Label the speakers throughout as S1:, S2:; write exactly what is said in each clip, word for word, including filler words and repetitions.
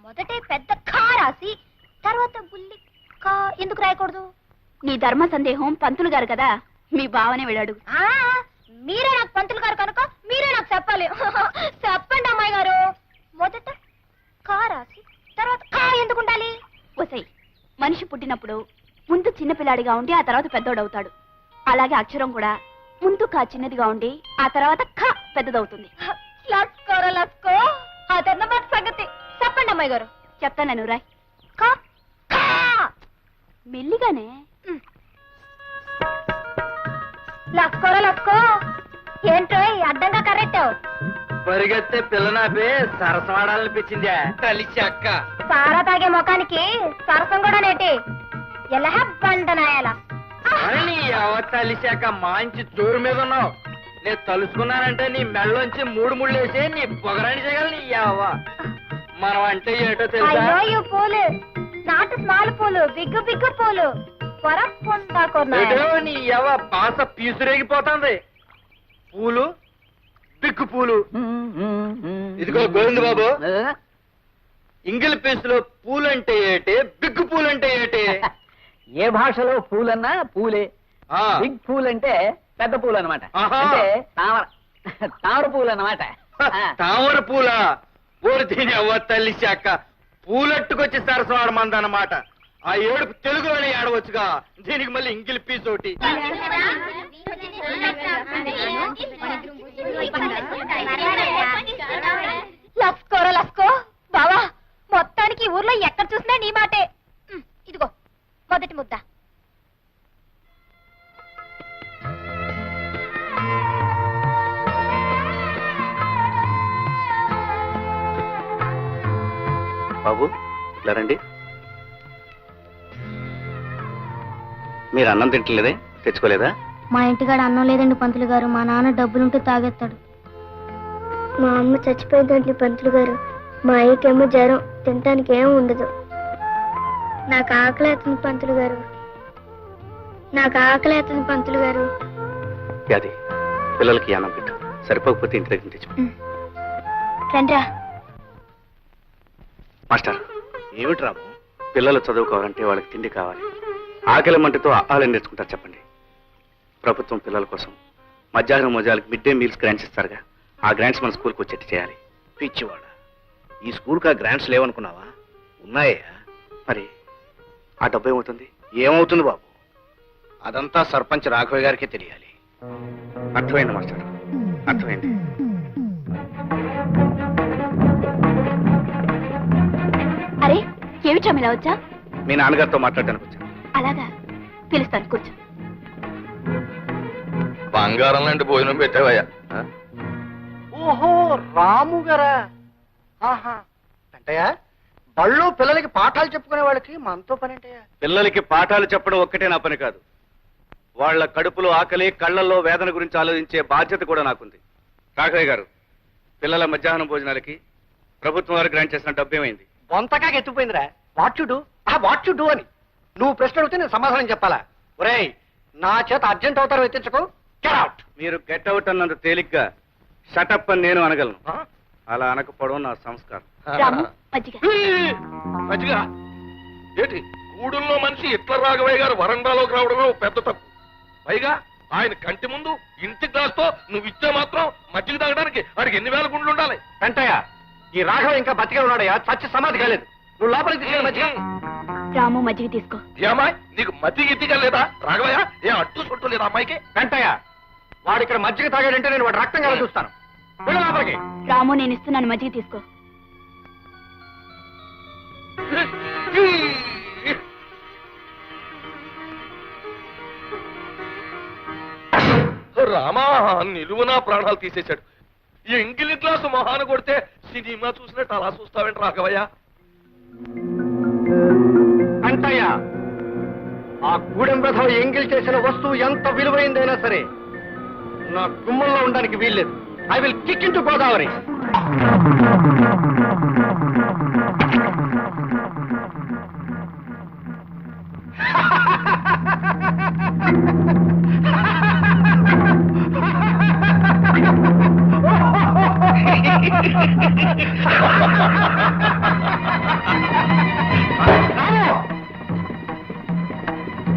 S1: మొదటే పెద్ద ఖా రాసి తర్వాత బుల్లి కా ఎందుకు రాయకూడదు? నీ ధర్మ సందేహం పంతులు గారు కదా, మీ బావనే వెళ్ళాడు. మీరే నాకు పంతులు గారు కనుక మీరే నాకు చెప్పాలి. చెప్పండి అమ్మాయి గారు. మొదట కా రాసి తర్వాత కా ఎందుకు ఉండాలి? వసై, మనిషి పుట్టినప్పుడు ముందు చిన్నపిల్లాడిగా ఉండి ఆ తర్వాత పెద్దోడవుతాడు. అలాగే అక్షరం కూడా ముందు కా చిన్నదిగా ఉండి ఆ తర్వాత ఖ పెద్దదవుతుంది. లస్కోరా లస్కో, అదన్నమాట సంగతి. చెప్పండి అమ్మాయి గారు. చెప్తాను నేను. రాయ్. ఖ ఖ మెల్లిగానే. లస్కోరా లస్కో. ఏంటో అడ్డంగా కరెక్టావు.
S2: పరిగెత్తే పిల్లనాపే సరసవాడాలనిపించిందా? కలిసి అక్క
S1: సారా తాగే ముఖానికి సరసం కూడా నేటి. ఎలా బండనాయాల
S2: నీ అవతలిశాక మంచి జోరు మీద ఉన్నావు. నేను తలుసుకున్నానంటే నీ మెళ్ళలోంచి మూడు ముళ్ళు వేసి నీ పొగరాని చేయగల నీ అవ్వ. మనం అంటే ఏటో తెలుసా?
S1: అయ్యో పూలు నాటు స్మాల్ పూలు, బిగ్గు బిగ్గు పూలు
S2: నీ అవ్వ బాస పీసురేగిపోతుంది. పూలు బిగ్గు పూలు. ఇదిగో గోవింద బాబు, ఇంగిల్ పీసులో పూలంటే ఏటి, బిగ్గు పూలంటే ఏటి?
S3: ఏ భాషలో పూలన్నా పూలే. బిగ్ పూల్ అంటే పెద్ద పూలు అనమాట. అంటే తామర తామర పూలు అన్నమాట.
S2: తామర పూల ఊరు దీని అవ్వ తల్లి శాఖ పూలట్టుకొచ్చి సరసవాడమందన్నమాట. ఆ ఏడుపు తెలుగులోనే ఆడవచ్చుగా, దీనికి మళ్ళీ ఇంగిల్ పీస్ ఒకటి.
S1: లస్కోరా లస్కో. బావా, మొత్తానికి ఊర్లో ఎక్కడ చూసినా నీ మాటే. ఇదిగో మొదటి ముద్ద.
S4: బాబు ఇట్లా రండి. మీరు అన్నం తింటలేదే, తెచ్చుకోలేదా?
S5: మా ఇంటికాడ అన్నం లేదండి పంతులు గారు. మా నాన్న డబ్బులుంటే తాగేస్తాడు. మా అమ్మ చచ్చిపోయిందండి పంతులు గారు. మా అయ్యకేమో జ్వరం, తినటానికి ఏం ఉండదు. నాకు ఆకలి అవుతుంది పంతులు గారు. నాకు ఆకలి అవుతుంది పంతులు గారు.
S4: అది పిల్లలకి అన్నం పెట్టు, సరిపోకపోతే ఇంటి దగ్గర తెచ్చు.
S1: రండ్రా.
S4: మాస్టర్, ఏమిటి రాము? పిల్లలు చదువుకోవాలంటే వాళ్ళకి తిండి కావాలి. ఆకలి మంటతో ఆహారం నేర్చుకుంటారు చెప్పండి. ప్రభుత్వం పిల్లల కోసం మధ్యాహ్నం మోజాలకు మిడ్ డే మీల్స్ గ్రాంట్స్ ఇస్తారుగా, ఆ గ్రాంట్స్ మన స్కూల్కి వచ్చేట్టు చేయాలి.
S6: పిచ్చివాడ, ఈ స్కూల్కి ఆ గ్రాంట్స్ లేవనుకున్నావా? ఉన్నాయా?
S4: మరి ఆ డబ్బు ఏమవుతుంది?
S6: ఏమవుతుంది బాబు, అదంతా సర్పంచ్ రాఘవ గారికే తెలియాలి.
S4: అర్థమైంది మాస్టర్, అర్థమైంది.
S1: అరే ఏమిటా ఇలా వచ్చా?
S4: మీ నాన్నగారితో మాట్లాడడానికి వచ్చాను.
S1: అలాగా, పిలుస్తాను, కూర్చో.
S7: బంగారం లాంటి భోజనం పెట్టావయ్యా.
S2: ఓహో, రాము గారా? ఆహా, అంటయ్యా బళ్ళు పిల్లలకి పాఠాలు చెప్పుకునే వాళ్ళకి మనతో పని అంటయ్యా.
S4: పిల్లలకి పాఠాలు చెప్పడం ఒక్కటే నా పని కాదు, వాళ్ళ కడుపులో ఆకలి, కళ్ళల్లో వేదన గురించి ఆలోచించే బాధ్యత కూడా నాకుంది. రాఘవయ్య గారు, పిల్లల మధ్యాహ్నం భోజనాలకి ప్రభుత్వం వారు గ్రాంట్ చేసిన డబ్బు ఏమైంది?
S2: బొంతగా ఎత్తుపోయిందిరా. వాట్ యు డూ, ఆ వాట్ యు డూ అని నువ్వు ప్రశ్న అడిగితే నేను సమాధానం చెప్పాలా? ఒరేయ్, నా చేత అర్జెంట్ అవుతారు ఎత్తించకు. Get out.
S4: మీరు గెట్ అవుట్ అన్నంత తేలిగ్గా షటప్ అని నేను అనగలను. అలా అనకపోవడం నా సంస్కారం.
S1: రాము, మజ్జిగ.
S7: మజ్జిగ ఏంటి? గూడుల్లో మనిషి ఇట్ల రాఘవయ్య గారు వరండాలోకి రావడమే పెద్ద తప్పు. పైగా ఆయన కంటి ముందు ఇంటి గ్లాస్తో నువ్వు ఇచ్చే మాత్రం మజ్జిగ తాగడానికి వాడికి ఎన్ని వేల గుండ్లు ఉండాలి?
S2: వెంటయ్య, ఈ రాఘవ ఇంకా బతికే ఉన్నాడయ్యా, చచ్చి సమాధి కాలేదు. నువ్వు లోపలికి తీసుకెళ్ళి మజ్జిగ.
S1: రాము, మజ్జిగ తీసుకో.
S7: ఏమాయ్, నీకు మజ్జిగ ఇద్దిగా లేదా? రాఘవయ్య, ఏ అడ్డు చుట్టూ లేదా అమ్మాయికి?
S2: వెంటయ్య, వాడు ఇక్కడ మజ్జిగ తాగాడంటే నేను వాడు రక్తం కల చూస్తాను. వెళ్ళు లోపలికి.
S1: రాము, నేను ఇస్తున్నాను, మజ్జిగ తీసుకో.
S7: రామా, నిలువునా ప్రాణాలు తీసేశాడు. ఈ ఎంగిలి గ్లాసు మొహాన కొడితే సినిమా చూసినట్టు అలా చూస్తావేంటి రాఘవయ్య?
S2: అంటయ్య, ఆ గూడెం రథం ఎంగిల్ చేసిన వస్తువు ఎంత విలువైందైనా సరే నా గుమ్మంలో ఉండడానికి వీల్లేదు. I will kick in to Godavari.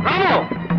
S7: Ramu